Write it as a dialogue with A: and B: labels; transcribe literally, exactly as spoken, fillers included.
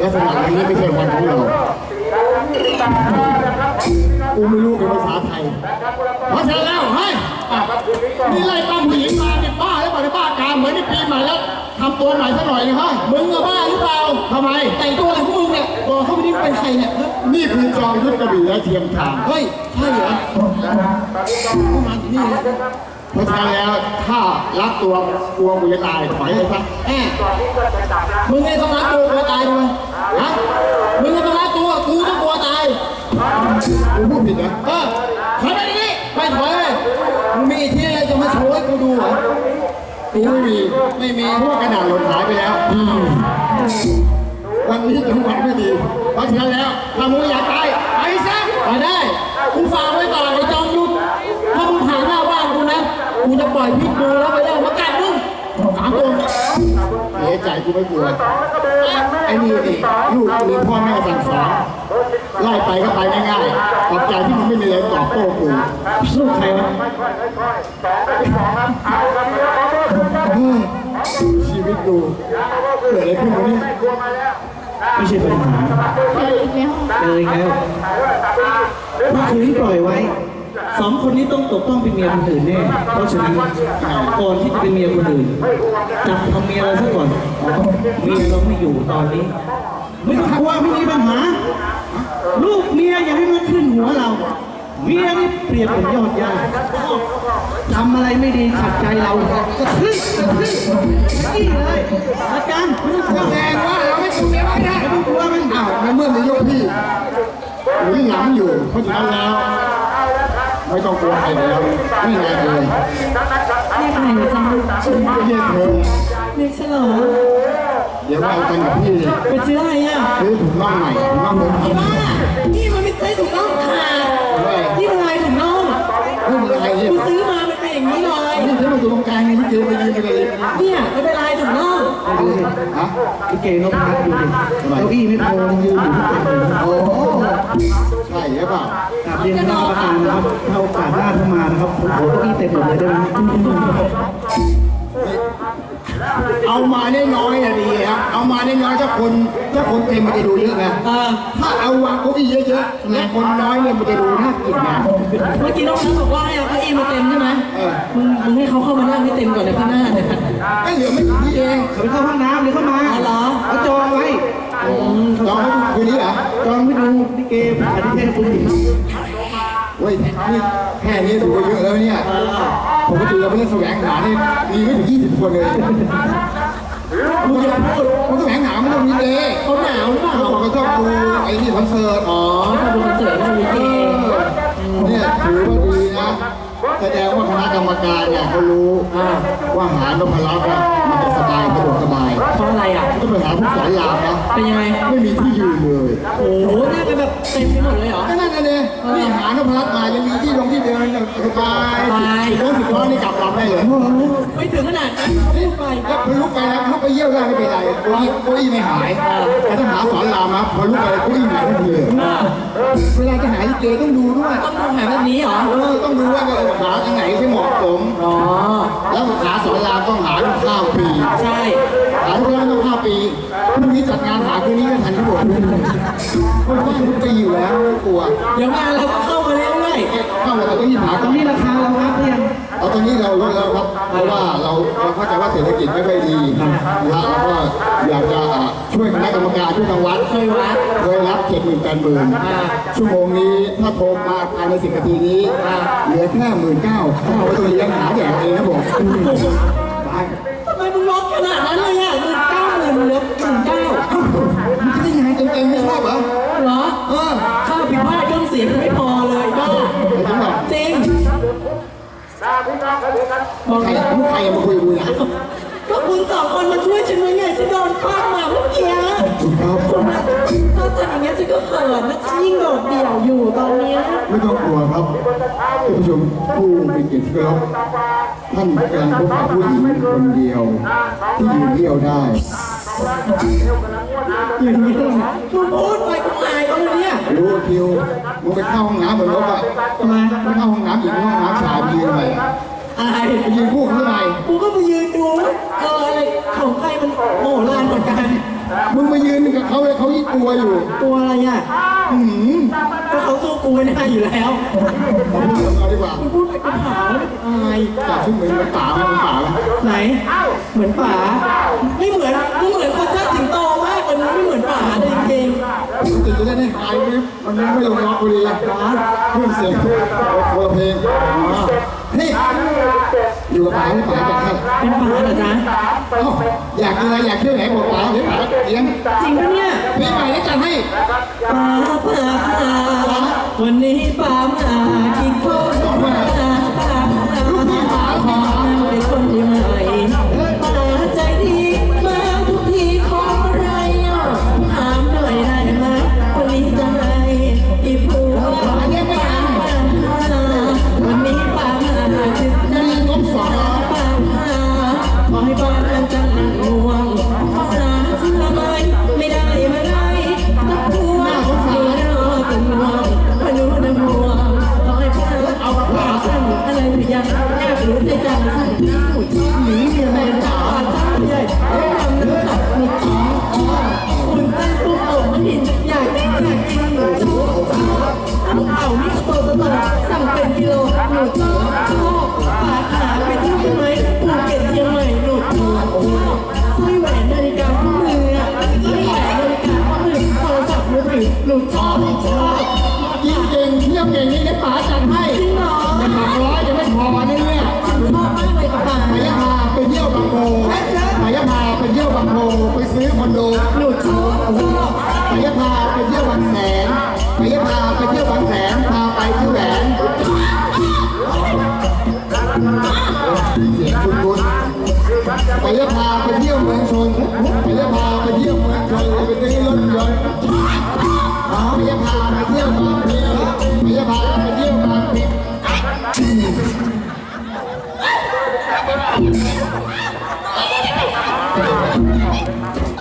A: ลักษณะอย่างนี้ไม่ใช่วันของเรากูไม่รู้เป็นภาษาไทยเพราะฉะนั้นแล้วเฮ้ยนี่ไล่ตั้มผู้หญิงมาเนี่ยบ้าหรือเปล่าในบ้ากามเหมือนในปีใหม่แล้วทำตัวใหม่ซะหน่อยนะฮะมึงอะบ้าหรือเปล่าทำไมแต่งตัวอะไรพวกมึงเนี่ยบอกเขาไม่ได้เป็นใครเนี่ยนี่คือจอมยุทธกระบี่และเทียมทางเฮ้ยใช่เหรอเข้ามาที่นี่เพราะฉะนั้นแล้วถ้ารักตัวกลัวกูจะตายถอยเลยซะแอบมึงไม่ต้องรักตัวกลัวตายทำไมฮะมึงไม่ต้องรักตัวกูต้องกลัวตายกูพูดผิดนะเออถอยไปดิไม่ถอยเลยมึงมีที่อะไรจะมาโชว์ให้กูดูเหรอกูไม่มีไม่มีเพราะว่ากระดาษหล่นหายไปแล้ววันนี้จังหวะไม่ดีเพราะฉะนั้นแล้วถ้ามึงอยากตายไปซะไปได้กูฝากไว้ก่อนไอ้จอมยุทธถ้ามึงผ่านหน้าบ้านกูนะกูจะปล่อยพิษบูแล้วไปแล้วมากัดมึงสามตัวเสียใจกูไม่กลัวไอ้นี่นี่ลูกมีพ่อแม่สั่งสอนไล่ไปก็ไปง่ายๆขอบใจที่มึงไม่มีอะไรตอบโต้กูลูกใครวะชีวิตดูเกิดอะไรขึ้นวะเนี่ยไม่ใช่ปัญหาเจออีกแล้วเมื่อคืนปล่อยไว้สองคนนี้ต้องตกต้องเป็นเมียคนอื่นแน่เพราะฉะนั้นก่อนที่จะเป็นเมียคนอื่นจับทำเมียเราซะก่อนเมียเราไม่อยู่ตอนนี้ไม่ต้องกลัวไม่มีปัญหาลูกเมียอย่าให้มันขึ้นหัวเราเมียนี่เปรียบเป็นยอดหญ้าทำอะไรไม่ดีขัดใจเราก็ขึ้นขึ้นนี่เลยอาจารย์ไม่ต้องกลัวแดงว่าเราไม่กลัวเมียไม่ได้ไม่ต้องกลัวมันอ้าวในเมื่อมียกพี่หรือหลังอยู่เพราะฉะนั้นแล้วไม่ต้องกลัวใครแล้วนี่ไงเลย
B: เรียกใครจ้า
A: เรียกเธอ
B: เรียกฉลอง
A: เดี๋ยวเรากันกับพี่
B: ไปซื้ออะไรอ่ะ
A: ซื้อถุงน่องใหม่ถุงน่องเดิม
B: ไอ้บ้านี่มันไม่ใช่ถุงน่องขาดนี่มันลายถุงน่อง
A: ไม่มีอะไรเนี่ย
B: กูซื้อมามันเป็นอย่างนี้เลย
A: นี่ซื้อมาอยู่ตรงกลางนี่พี่เจไปยืนไปเลย
B: เนี่ยมันเป็นลายถุงน่อง
A: ฮะ
C: พี่เกย์นพรัตน์ดูดิเก้าอี้ไม่พอยืนอยู่ที่เต็มเลย
A: โอ้ใช่หรือเปล่าก
C: ราบเรียนคณะกรรมการนะครับถ้าโอกาสหน้าเข้ามานะครับผมขอเก้าอี้เต็มหมดเลยได้ไหม
A: เอามาได้น้อยอะดีครับเอามาได้น้อยถ้าคนถ้าคนเต็มมันจะดูเยอะไง
B: เออ
A: ถ้าเอาวางเก้าอี้เยอะๆและคนน้อยเนี่ยมันจะดูน่าเกลียดไง
B: เมื่อกี้น้องนัทบอกว่าให้เอาเก้าอี้มาเต็มใช่ไหม
A: เออ
B: มึงมึงให้เขาเข้ามานั่งให้เต็มก่อนในข้างหน้าเนี่ย
A: ก็เหลือไม่กี่ที่เอง
C: เขาไปเข้าห้องน้ำเดี๋ยวเข้ามา
B: อ๋อเหรอ
C: เขาจองไว้
A: จองให้คืนนี้เหรอ
C: จองไว้ดูพี่เกย์อธิเทศคุณหญิง
A: เว้ยนี่แค่นี้ถือว่าเยอะแล้วเนี่ยปกติเราไปเล่นแสวงหาเนี่ยมีไม่ถึงยี่สิบคนเลยมึงจะพูดมึงแสวงหาไม่ต้องมีเดย์
B: เขาหนาวหรือเปล่า
A: เขาบอกเขาชอบดูไอ้นี่คอนเสิร์ต
B: อ๋อชอบดูคอนเสิร์ตมันมีเกม
A: เนี่ยถือว่าดีนะแสดงว่าคณะกรรมการเนี่ยเขารู้ว่าหานพรัตน์เนี่ยมันจะสบายสะดวกสบาย
B: เพราะอะไรอ่ะ
A: ต้องไปหาผู้สอนรามนะ
B: เป็นยังไง
A: ไม่มีที่ยืนเลย
B: โอ้โหน่าจะแบบเต็มไปหมดเลยเหรอ
A: ก็นั่นเลยนี่หานพรัตน์มายังมีที่ลงที่เดินสบายสิบล้อสิบล้อนี่กลับลำได้เลย
B: ไม่ถึงขนาดนั้นเขาพูดไป
A: แล้วพอลุกไปแล้วลุกไปเยี่ยวได้ไม่เป็นไรเก้าอี้เก้าอี้ไม่หายแต่ถ้าหาสอนรามนะพอลุกไปเก้าอี้หายทันทีเลยเวลาจะหาลิเกต้องดูด้วย
B: ต้องดูหาแบบนี้เหรอ
A: เออต้องดูว่าหาอันไหนที่เหมาะสม
B: อ๋อ
A: แล้วหาสอนรามต้องหาทุกข้ามปี
B: ใช่
A: หาทุกร้านต้องข้ามปีพรุ่งนี้จัดงานหาคืนนี้ก็ทันทั้งหมดเพราะว่าทุกปีอยู่แล้วไม่กลัว
B: เดี๋ยวงานเราก็เข้ามาเรื่อย
A: เข้ามาแต่ต้องยินหา
C: ต
A: ต
C: ร
A: รง ง
C: นี้
A: นี้
C: ราคาเราอัพหรือยัง
A: เอาตรงนี้เราลดแล้วครับเพราะว่าเราเราเข้าใจว่าเศรษฐกิจไม่ค่อยดีนะแล้วก็อยากจะช่วยคณะกรรมการช่วยทางวัด
B: ๆเคยวัด
A: เคยรับเจ็ดหมื่นแปดหมื่นชั่วโมงนี้ถ้าโทรมาภายในสิบนาทีนี้เหลือแค่หมื่นเก้าถ้าเอาไว้ตรงนี้ยังหาแดกเองนะผมตาย
B: ทำไมมึงลดขนาดนั้นเลยอ่ะหมื่นเก้าหมื่นเหลือหมื่นเก้า
A: มันจะได้งานเต็มๆไม่ชอบเหรอ
B: เหรอ
A: เออ
B: ค่าผิดพลาดเครื่องเสียงไม่พอเลยบ้า
A: ไอ้ทั้งหมด
B: จริง
A: ใครลูกใครมาคุยกับกูเนี่ย
B: ก็คุณสองคนมาช่วยฉันไว้ไงฉันโดนป้ามาเมื่อกี้
A: ถูกต้อง
B: คุณนะถ้าทำอย่างเงี้ยฉันก็เขินนะฉันยิ่งโดดเดี่ยวอยู่ตอนเนี้ย
A: ไม่ต้องกลัวครับท่านผู้ชมผู้เป็นเกียรติที่เคารพท่านกำลังพบกับผู้หญิงคนเดียว ที่ยืนเดี่ยวได้
B: อย่างนี้เลยมึงพูดไปกูอายเขาเลยเนี่ย
A: รู้คิวมึงไปเข้าห้องน้ำเหมือนรถอ่ะ
B: ทำไม
A: ไม่เข้าห้องน้ำหญิงห้องน้ำชายไปยืนทำไม
B: อาย
A: ไปยืนคู่เขาทำไม
B: กูก็มายืนดูว่าเอออะไรของใครมันโหฬารเหมือนกัน
D: มึงมายืนกับเขาเลยเขายิ่งกลัวอยู่
B: ตัวอะไรอ่ะ
D: อืม
B: ก็เขาสู้กูไม่ได้อยู่แล้ว
D: มาพูดกับเราดีกว่า
B: พูดไปก็ถามแล้วอาย
D: จากที่เหมือนเหมือนป่าไหมเหมือนป่าไหม
B: ไหน เหมือนป๋าไม่เหมือนไม่เหมือนคนชาติสิงโตมากเลยไม่เหมือนป๋าเลยจริง
D: มันติดจะได้ให้หายไหมมันไม่ลงล็อกพอดีนะเพื่อนเสียงคนละเพลงอ๋อนี่อยู่กับป่าให้ป่าจัดให้
B: ๆเป็นป๋าเหรอจ๊ะ
D: เอ้าอยากกินอะไรอยากเที่ยวไหนบอกป่าเดี๋ยวป่าเลี้ยง
B: จริงปะเนี่ย
D: เพลงใหม่ได้จัดให้
B: ป๋าป๋าป๋าวันนี้ป๋ามากินข้าวป๋าป๋าป๋าขอเป็นคนที่ใหม่ป๋าใจดีมาทุกทีขออะไรอ่ะถามหน่อยได้ไหมวันนี้จะให้อีผัวป๋าวันนี้ป๋ามาจึงจะงบสองป๋าขอให้ป๋าจังหนังง่วงป๋าเชื่อไหมไม่ได้มาได้สักพวงเดี๋ยวรอจนง่วงพนุนห่วงขอให้ป๋าเอาป๋าสั่งอะไรหรือยังแอบรู้ใจจังสั่งที่หมุดหนีเมียแม่จ๋าจ้าใหญ่ให้ทำน้ำสับหมุดจ้าคุณตั้งปุ๊บเอามาหินอยากกินอยากกินหนูชอบจ้าเอาเต่านี่โตโตสั่งเป็นกิโลหนูชอบชอบป๋าหาไปที่ไหมภูเก็ตเชียงใหม่หนูชอบสร้อยแหวนนาฬิกาข้อมือสร้อยแหวนนาฬิกาข้อมือโทรศัพท์มือถือหนูชอบชอบ
D: กินเก่งเที่ยวเก่งนี่ได้ป๋าจัดให้
B: จริงเหรอ
D: จะหักร้อยจะไม่พอเนี่ยเนี่ย
B: ชอบมากเลยกับป๋า
D: ไปยะพาไปเที่ยวบางโพไปยะพาไปเที่ยวบางโพไปซื้อคอนโด
B: หนูชอบชอบ
D: ไปยะพาไปเที่ยวบางแสนไปยะพาไปเที่ยวบางแสนพาไปที่แหวนเสียงคุณคุณไปยะพาไปเที่ยว